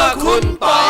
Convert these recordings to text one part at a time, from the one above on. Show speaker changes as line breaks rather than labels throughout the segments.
คุณปอย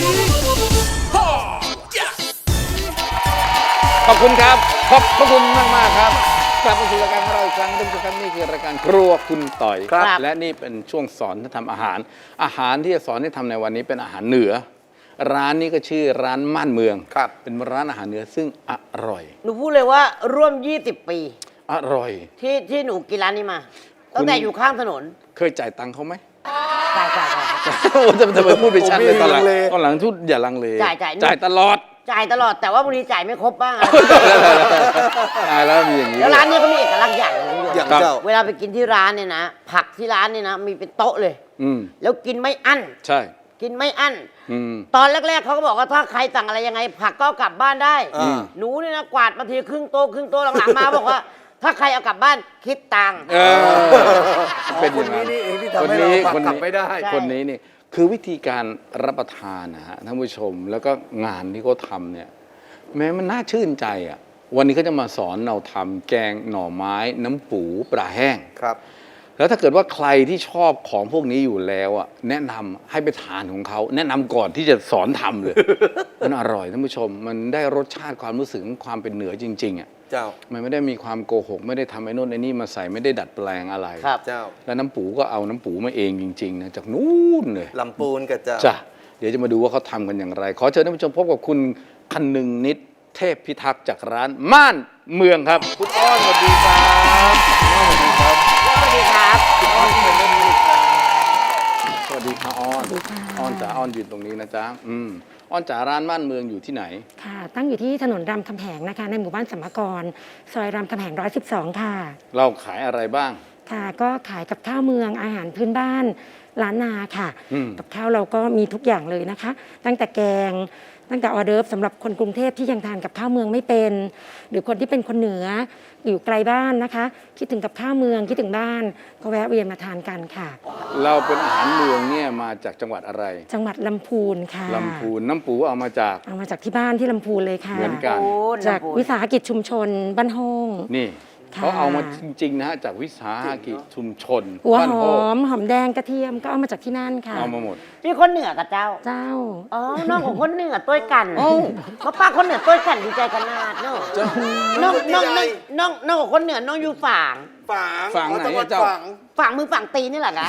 ขอบคุณครับขอบพระคุณมากครับกลับมาสู่รายการของเราอีกครั้งท่านผู้ชมครับนี่คือรายการครัวคุณต่อย
ครับ
และนี่เป็นช่วงสอนทำอาหารที่จะสอนให้ทำในวันนี้เป็นอาหารเหนือ ร้านนี้ก็ชื่อร้านม่านเมือง
ครับ
เป็นร้านอาหารเหนือซึ่งอร่อย
หนูพูดเลยว่าร่วม 20 ปี
อร่อย
ที่หนูกินร้านนี้มา ตั้งแต่อยู่ข้างถนน
เคยจ่ายตังค์เขาไหม
จ่าย
โอ้ทำไมพูดไปชัดเลยตอนหลัง
ผมไม่ลังเล
ตอนหลังทุดอย่าลังเล
จ่าย
จ่ายตลอด
จ่ายตลอดแต่ว่าบางทีจ่ายไม่ครบบ้างอะ
ตายแล้วมีอย่างนี้
แล้วร้านนี้เขามีเอกลักษณ์อย่างหนึง
อย่าง
ครับ
เจ้า
เวลาไปกินที่ร้านเนี่ยนะ ผักที่ร้านเนี่ยนะมีเป็นโต๊ะเลย
อืม
แล้วกินไม่อั้น
ใช่
กินไม่อั้น
อืม
ตอนแรกๆเขาก็บอกว่าถ้าใครสั่งอะไรยังไง ผักก็เอากลับบ้านได้
อ่า
หนูเนี่ยนะกวาดมาทีครึ่งโต๊ะหลังๆมาบอกว่า ถ้าใครเอากลับบ้านคิดตังค์
เออเป็นอย่างนั้น
คนนี้นี่เองที่ทำให้เราปักกลับไม่ได้
ใช่
คนนี้นี่คือวิธีการรับประทานนะฮะท่านผู้ชมแล้วก็งานที่เขาทำเนี่ยแม้มันน่าชื่นใจอ่ะวันนี้เขาจะมาสอนเราทำแกงหน่อไม้น้ำปูปลาแห้ง
ครับ
แล้วถ้าเกิดว่าใครที่ชอบของพวกนี้อยู่แล้วอ่ะแนะนำให้ไปทานของเขาแนะนำก่อนที่จะสอนทำเลย มันอร่อยท่านผู้ชม มันได้รสชาติความรู้สึกของความเป็นเหนือจริงๆอ่ะ
เจ้า
มันไม่ได้มีความโกหกไม่ได้ทำไอ้นู่นไอ้นี่มาใส่ไม่ได้ดัดแปลงอะไร
ครับ
เจ้า
แล้วน้ำปูก็เอาน้ำปูมาเองจริงๆนะจากนู้นเลย
ลำปูนกับเจ้า
จ้ะเดี๋ยวจะมาดูว่าเขาทำกันอย่างไร ขอเชิญท่านผู้ชมพบกับคุณคนึงนิดเทพพิทักษ์จากร้านม่านเมืองครับ คุณอ้อนสวัสดีครับอ้อนสวัสดีครับ
สวัสดีครับ
อ้อนที่เป็นเล่นนี่ครับสวัสดีค่ะอ้อนอ้อนจ๋าอ้อนยืนตรงนี้นะจ๊ะอ้อนจ๋าร้านม่านเมืองอยู่ที่ไหน
ค่ะ ตั้งอยู่ที่ถนนรามคำแหงนะคะ ในหมู่บ้านสัมมกร ซอยรามคำแหง 112 ค่ะ
เราขายอะไรบ้าง
ค่ะ ก็ขายกับข้าวเมืองอาหารพื้นบ้านล้านนาค่ะ
อืม
กับข้าวเราก็มีทุกอย่างเลยนะคะ ตั้งแต่แกง ตั้งแต่ออเดิร์ฟสำหรับคนกรุงเทพที่ยังทานกับข้าวเมืองไม่เป็น หรือคนที่เป็นคนเหนืออยู่ไกลบ้านนะคะ คิดถึงกับข้าวเมืองคิดถึงบ้าน ก็แวะเวียนมาทานกันค่ะ
เราเป็นอาหารเมืองเนี่ยมาจากจังหวัดอะไร
จังหวัดลำพูนค่ะ
ลำพูนน้ำปูเอามาจาก
เอามาจากที่บ้านที่ลำพูนเลยค่ะ
เหมือนกัน
จากวิสาหกิจชุมชนบ้านโฮง
นี่
ค่ะ
เขาเอามาจริงๆนะฮะจากวิสาหกิจชุมชน
หัว
บ้าน
ห
โพ
อมหอมแดงกระเทียมก็เอามาจากที่นั่นค่ะ
เอามาหมด
นี่คนเหนือกับเจ้า
เจ้า
อ๋อ น้องของคนเหนือต้วยกันเขาป้าคนเหนือต้วยกันดีใจขนาดเนาะน้องของคนเหนือน้องอยู่ฝั่ง
ฝั่งไหนอะเจ้า
ฝั่งมือฝั่งตีนนี่แหละนะ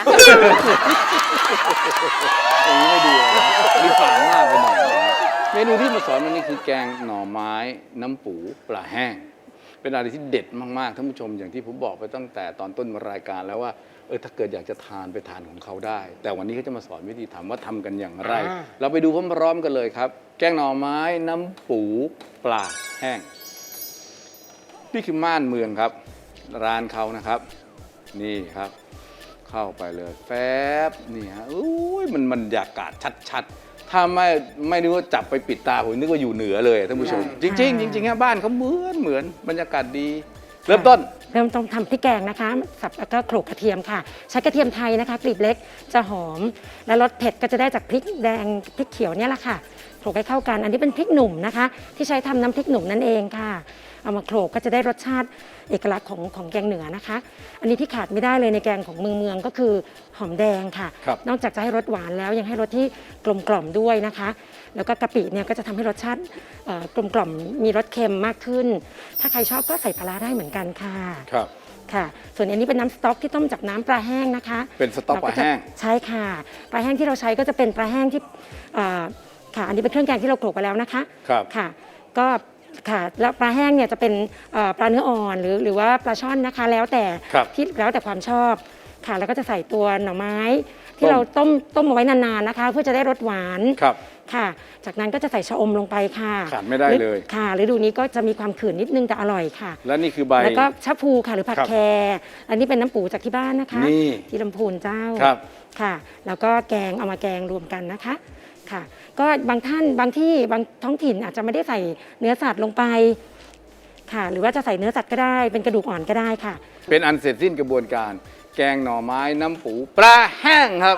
อย่างนี้ไม่ดีเลยนะมีฝางมากไปหน่อยนะเมนูที่มาสอนวันนี้คือแกงหน่อไม้น้ำปูปลาแห้ง เป็นอะไรที่เด็ดมากๆท่านผู้ชมอย่างที่ผมบอกไปตั้งแต่ตอนต้นรายการแล้วว่าถ้าเกิดอยากจะทานไปทานของเขาได้ แต่วันนี้เขาจะมาสอนวิธีทำว่าทำกันอย่างไร เราไปดูพร้อมๆกันเลยครับ แกงหน่อไม้น้ำปูปลาแห้ง นี่คือม่านเมืองครับ ร้านเขานะครับ นี่ครับ เข้าไปเลยแฟบนี่ฮะอุ้ยมันบรรยากาศชัดๆ ถ้าไม่นึกว่าจับไปปิดตาผมนึกว่าอยู่เหนือเลยท่านผู้ชม จริงๆจริงๆฮะบ้านเขาเหมือนบรรยากาศดี เริ่มต้น
เริ่มต้องทำพริกแกงนะคะสับแล้วก็โขลกกระเทียมค่ะ ใช้กระเทียมไทยนะคะ กลีบเล็กจะหอม และรสเผ็ดก็จะได้จากพริกแดงพริกเขียวเนี่ยแหละค่ะโขลกให้เข้ากัน อันนี้เป็นพริกหนุ่มนะคะ ที่ใช้ทำน้ำพริกหนุ่มนั่นเองค่ะ เอามาโขลกก็จะได้รสชาติเอกลักษณ์ของแกงเหนือนะคะ อันนี้ที่ขาดไม่ได้เลยในแกงของเมืองก็คือหอมแดงค่ะ
ครับ
นอกจากจะให้รสหวานแล้วยังให้รสที่กลมกล่อมด้วยนะคะ แล้วก็กะปิเนี่ยก็จะทำให้รสชาติกลมกล่อมมีรสเค็มมากขึ้น ถ้าใครชอบก็ใส่ปลาร้าได้เหมือนกันค่ะ
ครับ
ค่ะ ส่วนอันนี้เป็นน้ำสต๊อกที่ต้มจากน้ำปลาแห้งนะคะ
เป็นสต๊อกปลาแห้ง
เรก็จะใช่ค่ะ ปลาแห้งที่เราใช้ก็จะเป็นปลาแห้งที่ค่ะ อันนี้เป็นเครื่องแกงที่เราโขลกไปแล้วนะคะ
ครับ
ค่ะ ก็ค่ะ แล้วปลาแห้งเนี่ยจะเป็นปลาเนื้ออ่อนหรือว่าปลาช่อนนะคะ แล้วแต่
ครับ
ที่แล้วแต่ความชอบ ค่ะ แล้วก็จะใส่ตัวหน่อไม้ ที่เราต้มเอาไว้นานๆนะคะ เพื่อจะได้รสหวาน
ครับ
ค่ะ จากนั้นก็จะใส่ชะอมลงไปค่ะ
ขาดไม่ได้เลย
ค่ะฤดูนี้ก็จะมีความขืนนิดนึงแต่อร่อยค่ะ
และนี่คือใบ
แล้วก็ชะพูค่ะหรือผัก
ครับ
แครอันนี้เป็นน้ำปูจากที่บ้านนะคะ
นี่
ที่ลำพูนเจ้า
ครับ
ค่ะ แล้วก็แกงเอามาแกงรวมกันนะคะค่ะ ก็บางท่านบางที่บางท้องถิ่นอาจจะไม่ได้ใส่เนื้อสัตว์ลงไปค่ะ หรือว่าจะใส่เนื้อสัตว์ก็ได้เป็นกระดูกอ่อนก็ได้ค่ะ
เป็นอันเสร็จสิ้นกระบวนการ แกงหน่อไม้น้ำปูปลาแห้งครับ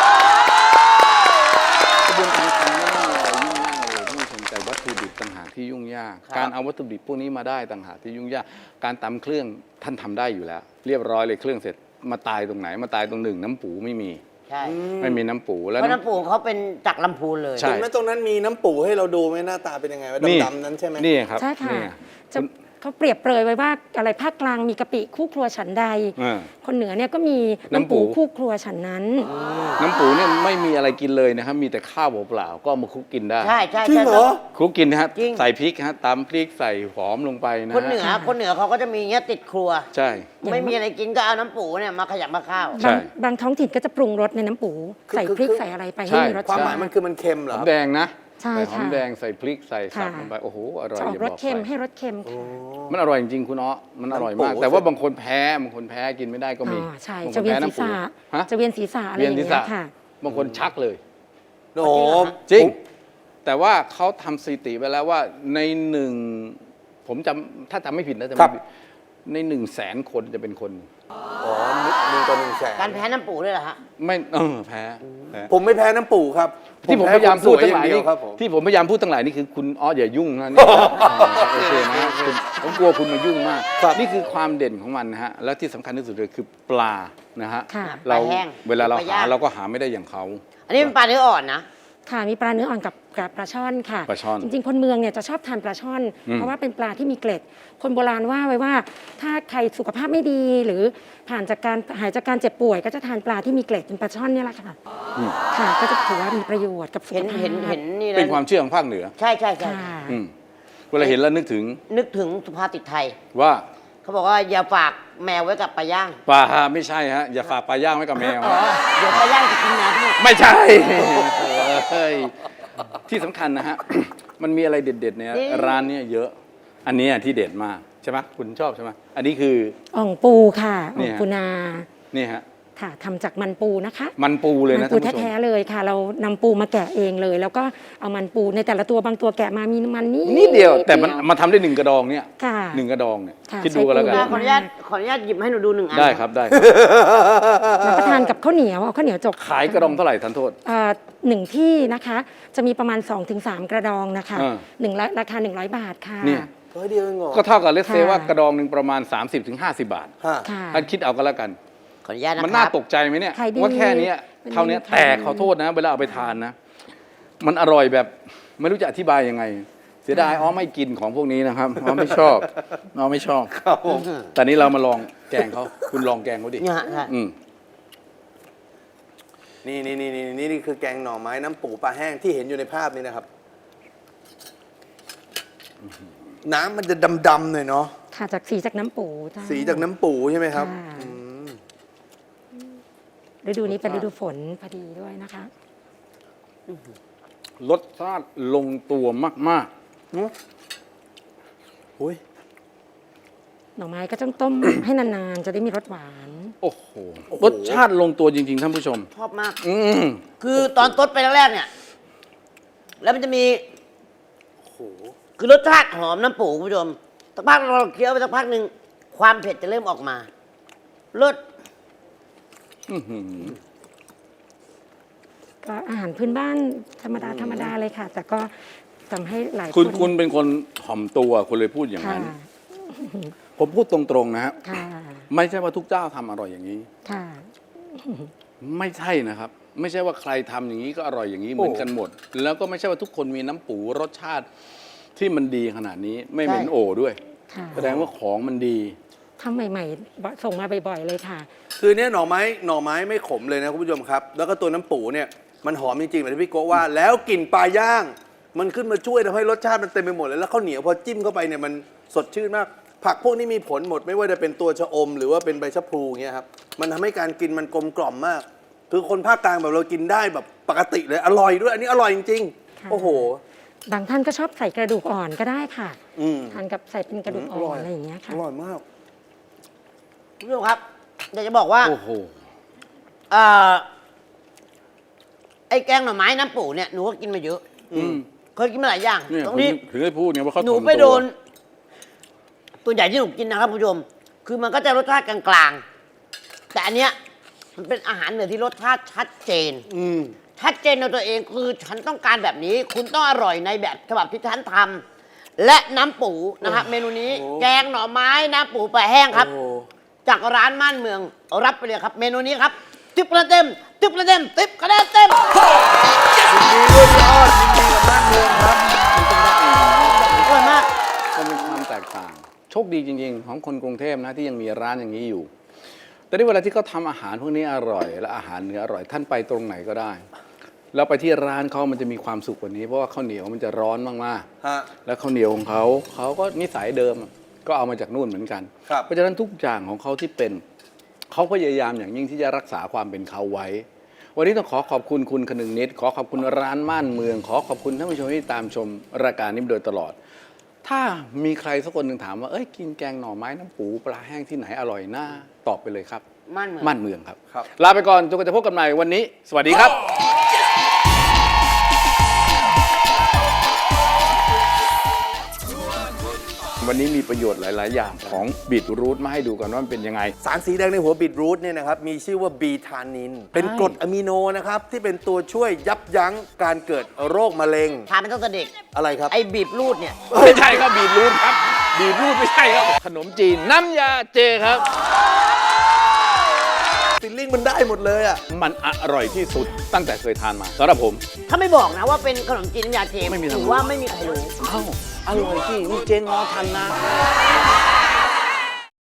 กระบวนการทำไม่ได้มีอะไรยุ่งยากเลยท่านผู้ชมแต่วัตถุดิบต่างหากที่ยุ่งยาก การเอาวัตถุดิบพวกนี้มาได้ต่างหากที่ยุ่งยาก การตำเครื่องท่านทำได้อยู่แล้ว เรียบร้อยเลยเครื่องเสร็จมาตายตรงไหนมาตายตรงหนึ่งน้ำปูไม่มี
ใช่
ไม่มีน้ำปูแล้ว
เพราะน้ำปูเขาเป็นจากลำพูนเลย
ใช่
ตรงนั้นมีน้ำปูให้เราดูไหมหน้าตาเป็นยังไงว่า
นี่
ดำๆนั้นใช่ไหม
นี่ครับ
ใช่ค่ะ
นี่
จะเขาเปรียบเปรยไว้ว่าอะไรภาคกลางมีกะปิคู่ครัวฉันใด
อ่า
คนเหนือเนี่ยก็มี
น้ำ
น้ำ
ปู
ปูคู่ครัวฉันนั้น
น้ำปูเนี่ยไม่มีอะไรกินเลยนะครับ มีแต่ข้าวเปล่าๆก็เอามาคลุกกินได้
ใช่ใช่
จริงเหรอ
คลุกกินนะฮะ
จริง
ใส่พริกฮะตำพริกใส่หอมลงไปนะฮะ
คนเหนือเขาก็จะมีเงี้ยติดครัว
ใช่
อย่าง
ไม่มีอะไรกินก็เอาน้ำปูเนี่ยมาขยำมาข้าว
ใช่
บางท้องถิ่นก็จะปรุงรสในน้ำปู
คือ
ใส่พริกใส่อะไรไป
ใช่
ให้มีรส
ความ
ชา
หมาย
ติ
มันคือมันเค็มเหร
ห
อ
อมแดงนะ
ใช่
ใส่หอม
ค่ะ
แดงใส่พริกใส่สับ
ค่ะ
ลงไปโอ้โหอร่อย
จะออก
อย่าร
ส
บอก
เค็ม
ไป
ให้รสเค็มค่ะ
มันอร่อยจริงๆคุณอ้อมันอร่อยมาก
น้ำปู
แต่ว่าบางคนแพ้บางคนแพ้กินไม่ได้ก็มี
อ๋อใช่
บางค
จะ
น
เวีย
แพ้
นศีร
น้ำปู
ษะ
ฮะ
จะเวียนศีรษะอะไร
เวี
อย
น
ย่าง
ศีร
เงี้
ษะ
ยค่ะ
บางคนชักเลย
โอ้โห
จริง แต่ว่าเขาทำสถิติไว้แล้วว่าในหนึ่งผมถ้าจำไม่ผิดนะจำ
ครั
ไม่
บ
ผิดใน100,000 คนจะเป็นคน
อ๋อ1 ต่อ 100,000
การแพ้น้ำปูด้วยเหรอฮะ
ไม่แพ้แพ้
ผมไม่แพ้น้ำปูครับ
ที่ผมพยายามพูดทั้งหลาย
เดี
นี่
วครับผม
ที่ผมพยายามพูดทั้งหลายนี่คือคุณอ้ออย่ายุ่งนะนี่โอเคนะคุณผมกลัวคุณมายุ่งมาก
ครับ
นี่คือความเด่นของมันนะฮะแล้วที่สำคัญที่สุดเลยคือปลานะฮะ
ค่ะ
เรา
ปลาแห้ง
เวลาเรา
ปลา
หา
ย่าง
เราก็หาไม่ได้อย่างเขา
อันนี้เป็นปลาเนื้ออ่อนนะ
ค่ะมีปลาเนื้ออ่อนกับปลาช่อนค่ะ
ปลาช่อน
จริงๆ คนเมืองเนี่ยจะชอบทานปลาช่อน เพราะว่าเป็นปลาที่มีเกล็ด คนโบราณว่าไว้ว่า ถ้าใครสุขภาพไม่ดี หรือหายจากการเจ็บป่วย ก็จะทานปลาที่มีเกล็ดเป็นปลาช่อนเนี่ยแหละค่ะค่ะ ก็จะถือว่ามีประโยชน์กับสุข
เห็น
ภาพ
เห็นนี่
เป็น
นะ
ความเชื่อของภาคเหนือ
ใช่ใช่ใช่
ค่ะ
อืมเวลาเห็นแล้วนึกถึง
นึกถึงสุภาษิตไทย
ว่า
เขาบอกว่าอย่าฝากแมวไว้กับปลาย่าง
ปลาไม่ใช่ฮะอย่าฝากปลาย่างไว้กับแมว
อ๋อเดี๋ยวปลาย่างจะกินแมวทั้งหมด
ไม่ใช่เฮ้ยที่สำคัญนะฮะ มันมีอะไรเด็ดๆเนี่ยร้านเนี้เยอะ อันเนี้ยที่เด็ดมากใช่ไหมคุณชอบใช่ไหมอันนี้คือ
อ่องปูค่ะ
เนี่
อ่อง
ย
ปูนา
นี่ฮะ
ค่ะทำจากมันปูนะคะ
มันปูเลย
มั
นะ
ปู
ท่านผู้ชม
แท้ๆเลยค่ะ เรานำปูมาแกะเองเลย แล้วก็เอามันปูในแต่ละตัวบางตัวแกะมามีมันนิด
เดียวแต่มันมาทำได้1 กระดองเนี่ย
ค่ะ
1 กระดองเนี่ย
ค่ะ
คิดดูกันแล้วกัน
ใช้ปู
ขออนุญาตหยิบให้หนูดูหนึ่งอัน
ได้ครับได้ครับ
รับประทานกับข้าวเหนียวเอาข้าวเหนียวจก
ขายกระดองเท่าไหร่ทันโทษ
หนึ่งที่นะคะจะมีประมาณ 2-3 กระดองนะคะ
อ่า
ราคา 100 บาทค่ะ
เนี่ย
เฮ้ยเดียวเองเหรอ
ก็เท่ากับเลสเซ
ค่ะ
ว่ากระดองหนึ่งประมาณ 30-50 บาท
ฮะ
ค่ะ
ท่านคิดเอาก็แล้วกัน
ขออนุญาตนะ
มัน
ค
น่า
รับ
ตกใจไหมเนี่ย
ขายดี
ว่าแค่เนี้ย
มัน
เท่าเนี้ย
ดี
แต่ขอโทษนะ เวลาเอาไปทานนะ มันอร่อยแบบไม่รู้จะอธิบายยังไง เสียดายอ๋อไม่กินของพวกนี้นะครับอ๋อไม่ชอบอ๋อไม่ชอบ
ครับผม
แต่นี้เรามาลองแกงเขาคุณลองแกงเขาดิ
เนี่ยฮะใช่
อืม
นี่คือแกงหน่อไม้น้ำปูปลาแห้งที่เห็นอยู่ในภาพนี้นะครับ น้ำมันจะดำๆหน่อยเนาะ
ค่ะจากสีจากน้ำปูจ้า
สีจากน้ำปูใช่ไหมครับ
ค่ะ
อืม
ฤดูนี้เป็นฤดูฝนพอดีด้วยนะคะ
รสชาติลงตัวมาก
อุ้ย
หน่อไม้ก็ต้องต้ม ให้นานๆ จะได้มีรสหวาน
ๆ โอ้โหรสชาติลงตัวจริงๆท่านผู้ชม
ชอบมาก
อืม
คือตอนต้นไปแรกๆเนี่ย แล้วมันจะมี
โอ้โห
คือรสชาติหอมน้ำปูคุณผู้ชมสักพักเราเคี้ยวไปสักพักหนึ่งความเผ็ดจะเริ่มออกมารส
อื้อหือ
ก็อาหารพื้นบ้านธรรมดาเลยค่ะ แต่ก็ทำให้หลาย
คุณเป็นคนถ่อมตัวคุณเลยพูดอย่าง
ค่ะ
นั้น ผมพูดตรงๆนะฮะ
ค่ะ
ไม่ใช่ว่าทุกเจ้าทำอร่อยอย่างนี้
ค่ะ
ไม่ใช่นะครับ ไม่ใช่ว่าใครทำอย่างนี้ก็อร่อยอย่างนี้เหมือนกันหมด แล้วก็ไม่ใช่ว่าทุกคนมีน้ำปูรสชาติที่มันดีขนาดนี้ ไม่เหม็นโอด้วย
ค่ะ
แสดงว่าของมันดี
ทำใหม่ๆ ส่งมาบ่อยๆ เลยค่ะ
คือเนี่ยหน่อไม้ไม่ขมเลยนะคุณผู้ชมครับ แล้วก็ตัวน้ำปูเนี่ยมันหอมจริงๆเหมือนที่พี่โกะว่า แล้วกลิ่นปลาย่าง มันขึ้นมาช่วยทำให้รสชาติมันเต็มไปหมดเลยแล้วข้าวเหนียวพอจิ้มเข้าไปเนี่ยมันสดชื่นมาก ผักพวกนี้มีผลหมดไม่ว่าจะเป็นตัวชะอม หรือว่าเป็นใบชะพลูอย่างเงี้ยครับมันทำให้การกินมันกลมกล่อมมาก คือคนภาคกลางแบบเรากินได้แบบปกติเลยอร่อยด้วย อันนี้อร่อยจริง
ค่ะ
ๆโอ้โห
บางท่านก็ชอบใส่กระดูกอ่อนก็ได้ค่ะ
อืม
ทานกับใส่เป็นกระดูกอ่
อร่
อ
อน ย
อะไรอย่างเงี้ย
อ
ค่ะ
ร่อยมาก
คุณผู้ชมครับอยากจะบอกว่า
โอ้โห
เอ่อไอ้แกงหน่อไม้น้ำปูเนี่ยหนูก็กินมาเยอะ
อืม
เคยกินมาหลายอย่าง
เนี่ย
ตรงนี้
ถึงได้พูดไงว่าเขา
หนู
ถ่อม
ไป
ตัว
โดนตัวใหญ่ที่หนูกินนะครับคุณผู้ชม คือมันก็จะรสชาติกลางๆ แต่อันเนี้ยมันเป็นอาหารเหนือที่รสชาติชัดเจน
อืม
ชัดเจนในตัวเองคือฉันต้องการแบบนี้ คุณต้องอร่อยในแบบฉบับที่ฉันทำและน้ำปูนะครับเมนูนี้
โอ้
แกงหน่อไม้น้ำปูปลาแห้งครับ
โอ้
จากร้านม่านเมืองรับไปเลยครับ เมนูนี้ครับ 10 คะแนนเต็ม 10 คะแนนเต็ม 10 คะแนนเต็ม
ยินดีด้วยพี่ออดยินดีกับบ้านเมืองครับ
อร่อยมาก
ก็มีความแตกต่าง โชคดีจริงๆ ของคนกรุงเทพนะที่ยังมีร้านอย่างนี้อยู่ แต่ในเวลาที่เขาทำอาหารพวกนี้อร่อย และอาหารเนื้ออร่อยท่านไปตรงไหนก็ได้ แล้วไปที่ร้านเขามันจะมีความสุขกว่านี้เพราะว่าข้าวเหนียวมันจะร้อนมาก
ฮะ
ๆแล้วข้าวเหนียวของเขาก็นิสัยเดิมก็เอามาจากนู่นเหมือนกัน
ครับ
เพราะฉะนั้นทุกอย่างของเขาที่เป็นเขาพยายามอย่างยิ่งที่จะรักษาความเป็นเขาไว้ วันนี้ต้องขอขอบคุณคุณคนึงนิดขอขอบคุณร้านม่านเมือง ขอขอบคุณท่านผู้ชมที่ตามชมรายการนี้มาโดยตลอด ถ้ามีใครสักคนหนึ่งถามว่ากินแกงหน่อไม้น้ำปูปลาแห้งที่ไหนอร่อยน่าตอบไปเลยครับ
ม่านเมือง
ม่านเมืองครับ
ครับ
ลาไปก่อนจนกว่าจะพบกันใหม่วันนี้ สวัสดีครับ วันนี้มีประโยชน์หลาย ๆ อย่างของบีทรูทมาให้ดูกันว่ามันเป็นยังไง
สารสีแดงในหัวบีทรูทเนี่ยนะครับมีชื่อว่าบีทานิน เป็นกรดอะมิโนนะครับที่เป็นตัวช่วยยับยั้งการเกิดโรคมะเร็ง
ทานเป็นตั้งแต่เด็ก
อะไรครับ
ไอ้บีบรูดเนี่ย
ไม่ใช่ครับบีทรูทครับบีทรูทไม่ใช่ครับขนมจีนน้ำยาเจครับ
ฟิลลิ่งมันได้หมดเลยอ่ะ
มันอร่อยที่สุดตั้งแต่เคยทานมาสำหรับผม
ถ้าไม่บอกนะว่าเป็นขนมจีนน้ำยาเจ
ไม่มีทางรู้
ถือว่าไม่มีใครรู้
เอ้าอร่อยจริงนี่เจงอทันนะ